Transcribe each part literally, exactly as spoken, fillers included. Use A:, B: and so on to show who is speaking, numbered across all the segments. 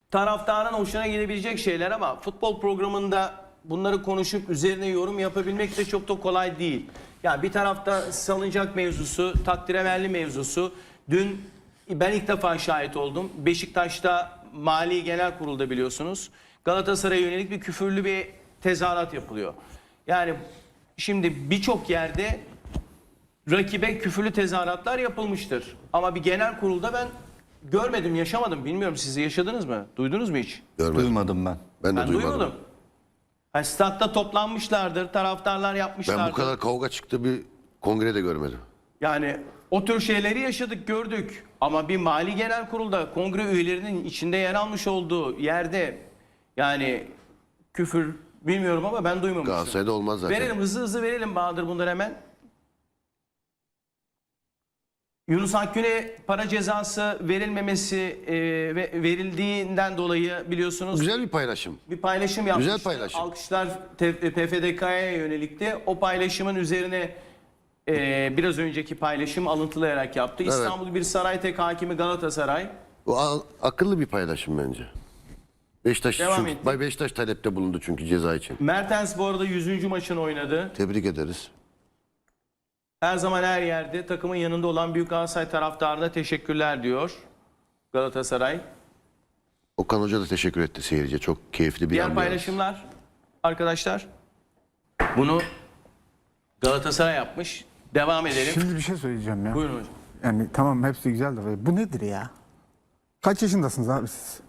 A: taraftarın hoşuna gidebilecek şeyler ama futbol programında bunları konuşup üzerine yorum yapabilmek de çok da kolay değil. Yani bir tarafta salıncak mevzusu, takdiremelli mevzusu. Dün ben ilk defa şahit oldum. Beşiktaş'ta Mali Genel Kurul'da biliyorsunuz Galatasaray'a yönelik bir küfürlü bir tezahürat yapılıyor. Yani şimdi birçok yerde rakibe küfürlü tezahüratlar yapılmıştır. Ama bir genel kurulda ben görmedim, yaşamadım. Bilmiyorum, siz yaşadınız mı? Duydunuz mu hiç?
B: Görmedim.
C: Duymadım ben.
B: Ben de
A: Ben
B: duymadım.
A: duymadım. Yani statta toplanmışlardır, taraftarlar yapmışlardır.
B: Ben bu kadar kavga çıktı bir kongre de görmedim.
A: Yani o tür şeyleri yaşadık, gördük. Ama bir mali genel kurulda kongre üyelerinin içinde yer almış olduğu yerde yani küfür bilmiyorum ama ben duymamıştım.
B: Galatasaray'da olmaz zaten.
A: Verelim, hızlı hızlı verelim Bahadır bunları hemen. Yunus Akgün'e para cezası verilmemesi e, ve verildiğinden dolayı biliyorsunuz
B: Güzel bir paylaşım.
A: bir paylaşım yapmıştı.
B: Güzel paylaşım.
A: Alkışlar P F D K'ya yönelikti. O paylaşımın üzerine e, biraz önceki paylaşım alıntılayarak yaptı.
B: Evet.
A: İstanbul Bir Saraytek hakimi Galatasaray.
B: O a- akıllı bir paylaşım bence. Beşiktaş,
A: Devam
B: çünkü,
A: ettik.
B: Bay Beşiktaş talepte bulundu çünkü ceza için.
A: Mertens bu arada yüzüncü maçını oynadı.
B: Tebrik ederiz.
A: Her zaman her yerde takımın yanında olan Büyük Galatasaray taraftarına teşekkürler diyor Galatasaray.
B: Okan Hoca da teşekkür etti seyirciye. Çok keyifli bir
A: Diğer
B: an.
A: paylaşımlar arkadaşlar. Bunu Galatasaray yapmış. Devam edelim.
D: Şimdi bir şey söyleyeceğim ya.
A: Buyurun hocam.
D: Yani tamam hepsi güzel de bu nedir ya? Kaç yaşındasınız abi siz?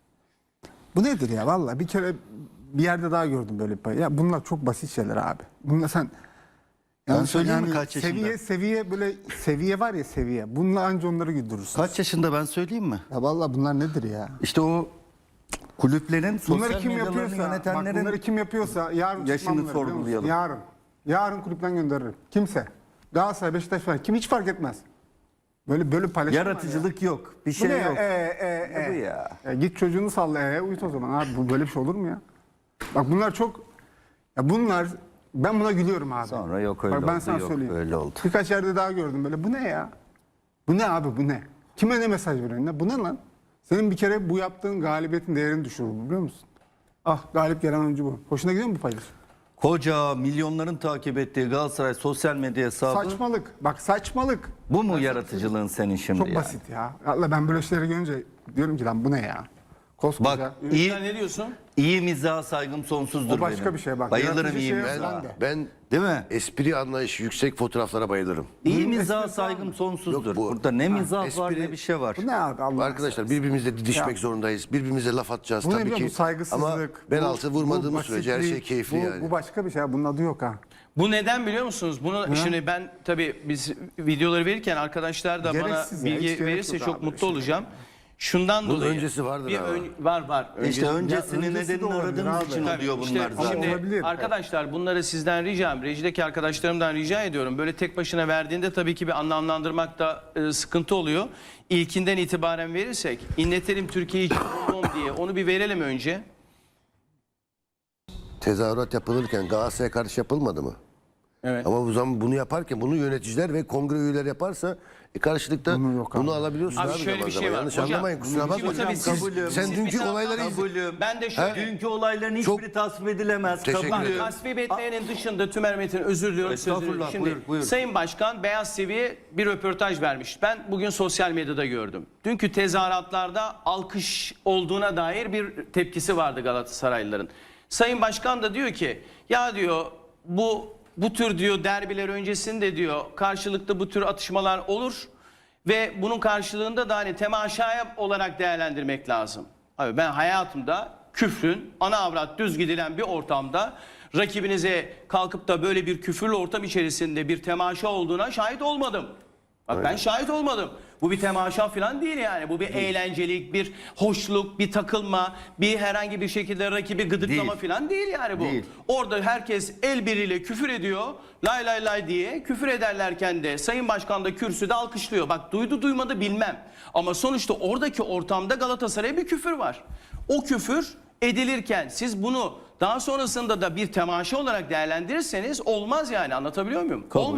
D: Bu nedir ya? Vallahi bir kere bir yerde daha gördüm böyle bir pay. Ya bunlar çok basit şeyler abi. Bunlar sen yanlış-
C: söyleyeyim mi kaç yaşında?
D: Seviye seviye böyle seviye var ya seviye. Bununla anca onları güldürürsün.
C: Kaç yaşında ben söyleyeyim mi?
D: Ya vallahi bunlar nedir ya?
C: İşte o kulüplerin sosyal
D: Bunları kim
C: medyalarını
D: yapıyorsa, bak
C: yönetenlerin
D: bunları kim yapıyorsa yarın
C: yaşını
D: tutmam bunları, biliyor musun?
C: sorgulayalım.
D: Yarın. Yarın kulüpten gönderirim. Kimse. Galatasaray, Beşiktaş falan. Kim hiç fark etmez. Böyle böyle paylaşım var ya.
C: yaratıcılık yok. Bir
D: Bu
C: şey
D: ne ya?
C: yok.
D: E, e,
C: Ne
D: e.
C: bu ya?
D: Ya git çocuğunu salla e, uyut o zaman abi. Bu böyle bir şey olur mu ya? Bak bunlar çok ya bunlar ben buna gülüyorum abi.
C: Sonra yok öyle
D: Bak ben
C: oldu,
D: sana
C: yok
D: söyleyeyim.
C: öyle oldu.
D: Birkaç yerde daha gördüm böyle. Bu ne ya? Bu ne abi bu ne? Kime ne mesaj veriyorsun? Ne? Bu ne lan? Senin bir kere bu yaptığın galibiyetin değerini düşürür biliyor musun? Ah galip gelen oyuncu bu. Hoşuna gidiyor mu bu paylaşım?
C: Koca milyonların takip ettiği Galatasaray sosyal medya hesabı
D: Saçmalık. Bak saçmalık.
C: bu mu yaratıcılığın senin şimdi
D: Çok
C: yani?
D: basit ya. Allah ben böyle şeyleri görünce diyorum ki lan bu ne ya? Koskoca.
C: Bak
A: Sen
C: iyi
A: ne diyorsun?
C: iyi mizaha saygım sonsuzdur
D: O başka
C: benim.
D: bir şey bak.
C: Bayılırım
D: Yaratıcı
C: iyi
D: şeye
C: mizaha.
D: ben de.
B: Ben
C: Değil mi?
B: espri anlayışı yüksek fotoğraflara bayılırım.
C: İyi
D: Bunun
C: mizaha
D: esprisi
C: saygım sonsuzdur.
B: Yok bu-
C: Burada ne mizah var
B: espri-
C: ne bir şey var.
D: Bu ne abi Allah
B: Arkadaşlar birbirimizle didişmek
D: Ya.
B: zorundayız. Birbirimize laf atacağız
D: Bu ne
B: tabii
D: biliyor
B: ki.
D: musun? Bu saygısızlık.
B: Ama ben
D: bu-
B: altı
D: bu
B: vurmadığımız sürece her şey
D: basitlik,
B: keyifli
D: bu,
B: yani.
D: Bu başka bir şey. Bunun adı yok ha.
A: Bu neden biliyor musunuz? Bunu şimdi ben tabii biz videoları verirken arkadaşlar da
D: Gereksiz
A: bana
D: ya,
A: bilgi
D: hiç gerek
A: verirse
D: yok
A: çok
D: abi,
A: mutlu
D: şey.
A: olacağım. Şundan
B: Bunun
A: dolayı.
B: öncesi vardır
A: bir
B: ama.
A: ön- var var.
C: İşte
A: Öncesi-
C: öncesinin
D: Ya öncesi de
C: nedenini
D: olabilir
C: aradığımız
D: abi.
C: için
A: Tabii,
C: oluyor
A: işte
C: bunlar zaten.
A: Şimdi
D: Olabilir.
A: arkadaşlar bunları sizden ricam, rejideki arkadaşlarımdan rica ediyorum. Böyle tek başına verdiğinde tabii ki bir anlamlandırmakta e, sıkıntı oluyor. İlkinden itibaren verirsek, inletelim Türkiye'yi diye onu bir verelim önce.
B: Tezahürat yapılırken Galatasaray'a karşı yapılmadı mı?
A: Evet.
B: Ama bu zaman bunu yaparken bunu yöneticiler ve kongre üyeleri yaparsa e karşılıkta
D: Bunu yok abi.
B: bunu alabiliyorsun
A: Abi
B: abi,
A: şöyle
B: zaman
A: bir şey
B: zaman.
A: var.
B: Yanlış
A: Hocam,
B: anlamayın kusura
A: şimdi
B: bakmayın.
A: tabii siz-
C: kabulüm.
B: Sen
A: siz
B: dünkü
A: bir
B: olayları
A: taraftan-
B: izle.
C: Kabulüm.
A: Ben de şöyle
C: Dünkü olayların
B: Çok-
C: hiçbiri tasvip edilemez.
B: Teşekkür
C: Kabulüm.
B: ederim.
A: tasvip etmeyenin dışında Tümer Metin özür diliyorum. Söz
C: Estağfurullah,
A: veriyorum. Şimdi
C: buyur, buyur.
A: Sayın Başkan Beyaz T V'ye bir röportaj vermiş. Ben bugün sosyal medyada gördüm. Dünkü tezahüratlarda alkış olduğuna dair bir tepkisi vardı Galatasaraylıların. Sayın Başkan da diyor ki ya diyor bu bu tür diyor derbiler öncesinde diyor karşılıklı bu tür atışmalar olur ve bunun karşılığında da hani temaşaya olarak değerlendirmek lazım. Abi ben hayatımda küfrün ana avrat düz gidilen bir ortamda rakibinize kalkıp da böyle bir küfürlü ortam içerisinde bir temaşa olduğuna şahit olmadım. Bak ben şahit olmadım. Bu bir temaşa falan değil yani. Bu bir eğlencelik, bir hoşluk, bir takılma, bir herhangi bir şekilde rakibi gıdıklama
C: Değil.
A: falan değil yani bu.
C: Değil.
A: Orada herkes el biriyle küfür ediyor. Lay lay lay diye küfür ederlerken de Sayın Başkan da kürsüde alkışlıyor. Bak duydu duymadı bilmem. Ama sonuçta oradaki ortamda Galatasaray'a bir küfür var. O küfür edilirken siz bunu daha sonrasında da bir temaşa olarak değerlendirirseniz olmaz yani, anlatabiliyor muyum?
C: Kabul.
A: Olmaz.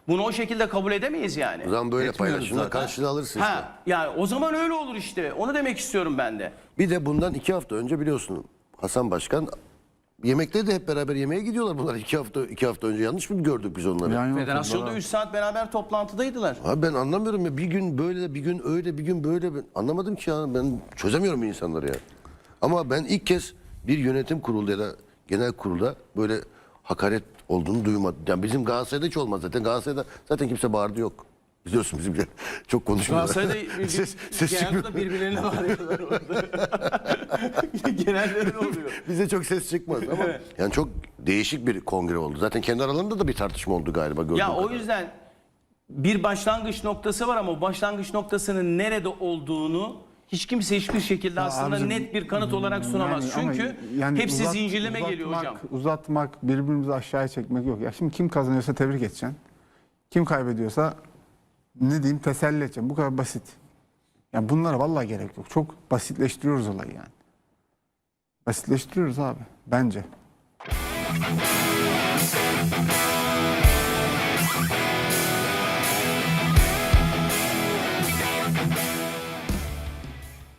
A: Bunu o şekilde kabul edemeyiz yani.
B: O zaman böyle
C: Etmiyoruz
B: paylaşımla
C: zaten.
B: karşılığı alırsın işte.
A: Ha, yani o zaman öyle olur işte. Onu demek istiyorum ben de.
B: Bir de bundan iki hafta önce biliyorsun Hasan Başkan yemekte de hep beraber yemeğe gidiyorlar bunlar iki hafta iki hafta önce yanlış mı gördük biz onları?
D: Yani
A: Federasyonda üç saat beraber toplantıdaydılar.
B: Abi ben anlamıyorum ya bir gün böyle bir gün öyle bir gün böyle ben anlamadım ki ya ben çözemiyorum insanları ya. Ama ben ilk kez bir yönetim kurulu ya da genel kurulda böyle hakaret olduğunu duymadım. Yani bizim Galatasaray'da hiç olmaz zaten. Galatasaray'da zaten kimse bağırdı yok. Biliyorsun bizim çok konuşmuyorlar.
A: Galatasaray'da bir-
B: ses, ses
A: genelde
B: çıkmıyor.
A: de birbirlerine bağırıyorlar orada. Genelde öyle oluyor.
B: Bize çok ses çıkmaz ama yani çok değişik bir kongre oldu. Zaten kendi aralarında da bir tartışma oldu galiba gördüğüm
A: Ya o
B: kadar.
A: yüzden bir başlangıç noktası var ama o başlangıç noktasının nerede olduğunu hiç kimse hiçbir şekilde aslında
D: abicim,
A: net bir kanıt olarak sunamaz.
D: yani ama
A: Çünkü
D: yani
A: hepsi
D: uzat-
A: zincirleme geliyor
D: uzatmak-
A: hocam.
D: Uzatmak, birbirimizi aşağıya çekmek yok. Ya şimdi kim kazanıyorsa tebrik edeceksin. Kim kaybediyorsa ne diyeyim teselli edeceğim. Bu kadar basit. Yani bunlara vallahi gerek yok. Çok basitleştiriyoruz olayı yani. Basitleştiriyoruz abi bence.